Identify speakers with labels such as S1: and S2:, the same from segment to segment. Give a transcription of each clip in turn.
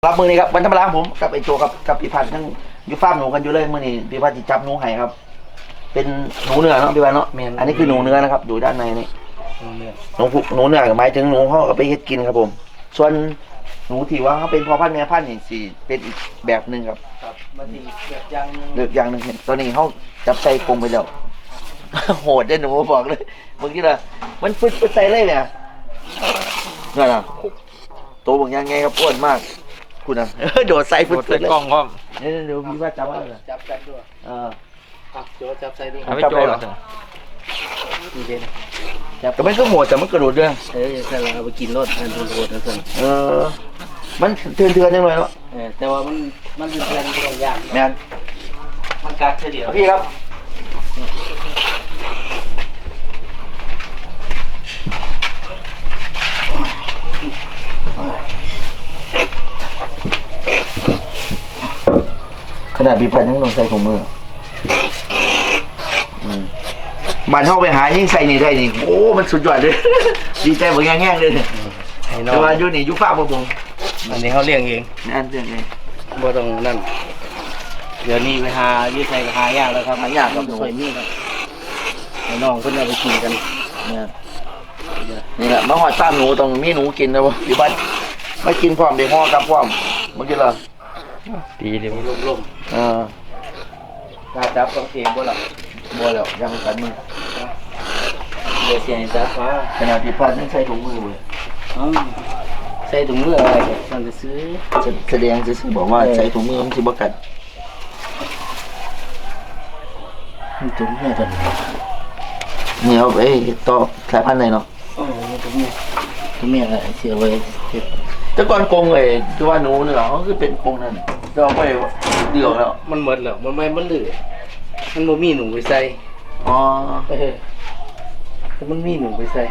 S1: รับมือนี้ครับวันธรรมดาผมกับไอโจกับพี่พันธ์ทั้งอยู่ฟาร์มหนูกันอยู่เลยมือนี้พี่พันธ์จะจับหนูไห่ครับเป็นหนูเนื้อเนาะพี่พันธ์เนาะอันนี้คือหนูเนื้อนะครับอยู่ด้านในนี่หนูเนื้อหมายถึงหนูเขาเอาไปเฮ็ดกินครับผมส่วนหนูที่ว่าเขาเป็นพ่อพันธุ์แม่พันธุ์นี่สิเป็นอีกแบบหนึ่งครับ
S2: มันอีกแบบอย่างนึง
S1: อย่างหนึ่งตอนนี้เขาจับใส่กรงไปแล้วโหดได้หนูบอกเลยเมื่อกี้นะมันฟึดใส่เลยเนี่ยนั่นน่ะตัวบางอย่างไงครับอ้วนมากคุณนะโดดใส่ฟึดเลย
S3: กล้องพร้อม
S1: เดี๋ยวพี่ว่าจับว่าอะไร
S2: จับกันด้วยโจจับใส่ด้วย
S3: ไม่โจหรอ
S2: นี่เป็น
S1: แต่มันก็โหดแต่มันกระโดดด้วย
S2: ใช่แล้วเอาไปกินรสอันโหดนะส่วน
S1: มันเถื่อนจังเลยเนาะ
S2: แต่ว่ามันเป็นแรงที่ยาก
S1: แม่น
S2: มันกัดเฉลี่ย
S1: พี่ครับขนาดพี่พันยังต้องใส่ถุงมือบ้านเข้าไปหายิ่งใส่นี่ได้นี่โอ้มันสุดยอดเลยดีใจเหมือนแง่ๆเลยแต่ว่าอยู่นี่อยู่ฟ้าผม
S2: อันนี้เขาเลี้ยงเอง
S1: นั่นเรื่องเอง
S2: บ่ต้องนั่นเดี๋ยวนี้ไปหายืดใส่หายากแล้วครับ
S1: หายากครับ
S2: สวยมีครับน้องเพิ่นเอาไปกินกัน
S1: นี่แหละมาหอดตามหนูต้องมีหนูกินนะวะพี่พันไม่กินพร้อมเด็กห่อกับพร้อมเมื่อกี้เหรอ
S3: ดีเดี๋ยว
S2: ล่มการจับต้องเองบ่ล่ะ
S1: บัวแล้วยังกันมือ
S2: เดี๋ยวเสียงจับฟ้า
S1: ขนาดพี่พันยังใส่ถุงมือเลย
S2: ใส่ถุงมืออะไรกันมันจะซื้อ
S1: แสดงจะซื้อบอกว่าใส่ถุงมือมันสิบกัด
S2: ถุงมือตัวนี้
S1: นี่เอาไปต่อสายพันธุ์ไหนเนาะ
S2: ถุงมืออะไรเสียไว้
S1: แต่ก่อนกงเลยที่ว่าหนูเนี่ยเขาคือเป็นกงนั่นเราไปเดี่ยวแล้ว
S2: มันหมดแล้วมันไม่มันเหลือมันบ่มีหนูไปใส่แต่มันมีหนูไปใส่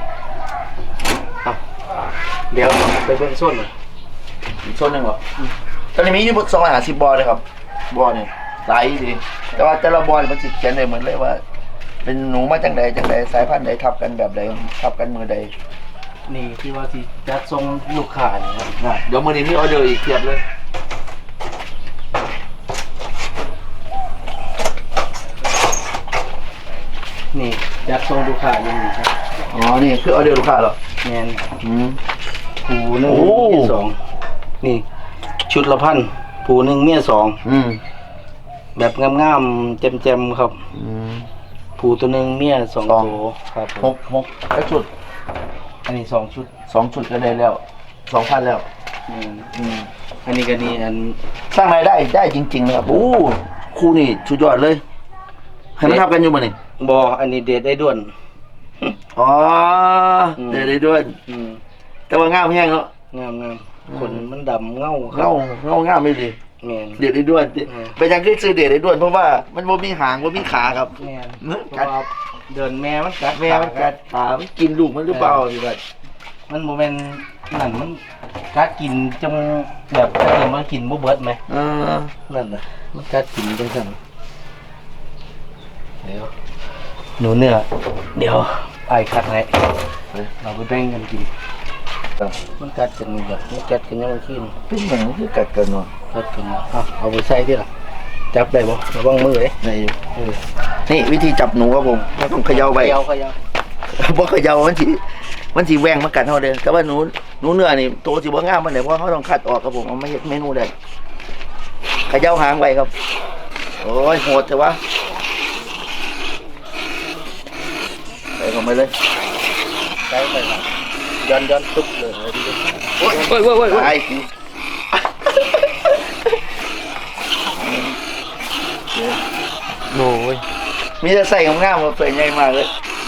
S2: เดี๋ยวไปเบิ่งส้นหน่อย
S1: อีกส้นหนึ่งเหรอตอนนี้มีอยู่250บอลเลยครับบอลเนี่ยหลายสิแต่ว่าแต่ละบอลมันจิตเขียนเลยเหมือนเลยว่าเป็นหนูมาจากใดสายพันธุ์ใดทับกันแบบใดทับกันมือใด
S2: นี่ที่ว่าที่จัดทรงลูกค้านี่ครับ
S1: เดี๋ยวมือนี้มีออเดอร์อีกเทียบเลย
S2: นี่จัดทรงลูกค้าอย่างนี้ครับ
S1: นี่คือออเดอร์ลูกค้าเหรอ
S2: แม่นผูหนึ่งเมียสองนี่ชุดละพันผูหนึ่งเมียสองแบบงามๆเจ็มๆครับผูตัวหนึ่งเมีย2ตัว
S1: ครับ6แล้วชุด
S2: อันนี้2ชุด
S1: ก็ได้แล้ว 2,000 แล้ว
S2: อันนี้ก็นี่อัน
S1: สร้างรายได้จริงๆนะครับโอ้ครูนี่สุดยอดเลยให้มันทับกันอยู่มั้ยนี่
S2: บ่อันนี้เดทได้ด่วน
S1: เดทได้ด่วนแต่ว่างามแห้งเนาะ
S2: งามขนมันดำเง
S1: างามไม่ดีเดทได้ด่วนไปยังคือซื้อเดทได้ด่วนเพราะว่ามันบ่มีหางบ่มีขาครับ
S2: กัดเดินแม่มันกัด
S1: ขามันกินลูกมันหรือเปล่าพี่บัด
S2: มันโมเมนต์นั่นมันกัดกินจงแบบถ้าเกิดมันกินบ่เบิดไหมนั่นน่ะมันกัดกินจังซั่นเดี๋ยวหนูเนื้อเดี๋ยวไอ้คัดให้เราไปแบ่งกันกินมันกัดกันแบบมันกัดกันยังไงขึ้น
S1: เป็นเหมือนคือกัดกันเนาะ
S2: กัดกันเอาไปใส่ที่หลังจับได้บ่ระวังมือเลย
S1: นี่วิธีจับหนูครับผมต้องเขย่าไปเพราะเขย่ามันสีแหวงมากัดเขาเลยแต่ว่าหนูเนื้อนี่ตัวสีบ่งามมันเลยเพราะเขาต้องคัดออกครับผมเอาไม่เห็นเมนูได้เขย่าหางไปครับโอ้ยโหดแต่ว่าใส่เข้าไปเลย
S2: ใส่ไปย้อนตุ๊บเลย
S1: โอ้ยไอ้
S2: โอ้ย
S1: มีแต่ใส่งามๆมาเปิดใหญ่มากเลย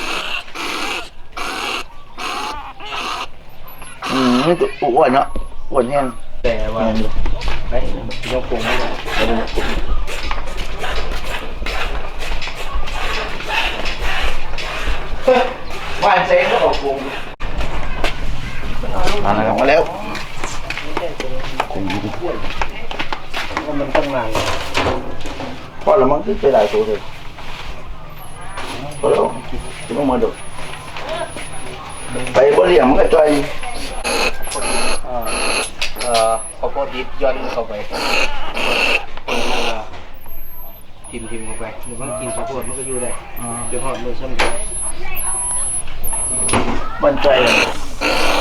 S1: นี่ตัวอ้วนเนาะอ้วนแห้ง
S2: แต่ว่าไปยกปูไม่ได้
S1: ว่านเซ็งก็ออกปูมาแล้ว
S2: มันต้องนาน
S1: พอแล้วมันขึ้นไปหลายตัวเลยพอแล้วจะต้องมาดูไปบริหารมันก็ใจ
S2: ขอบโพดดิบย้อนเข้าไปทิมเข้าไปหรือว่ากินข้าวโพดมันก็อยู่ได้เป็นหอดมือซ้ำกัน
S1: มั่นใจเลย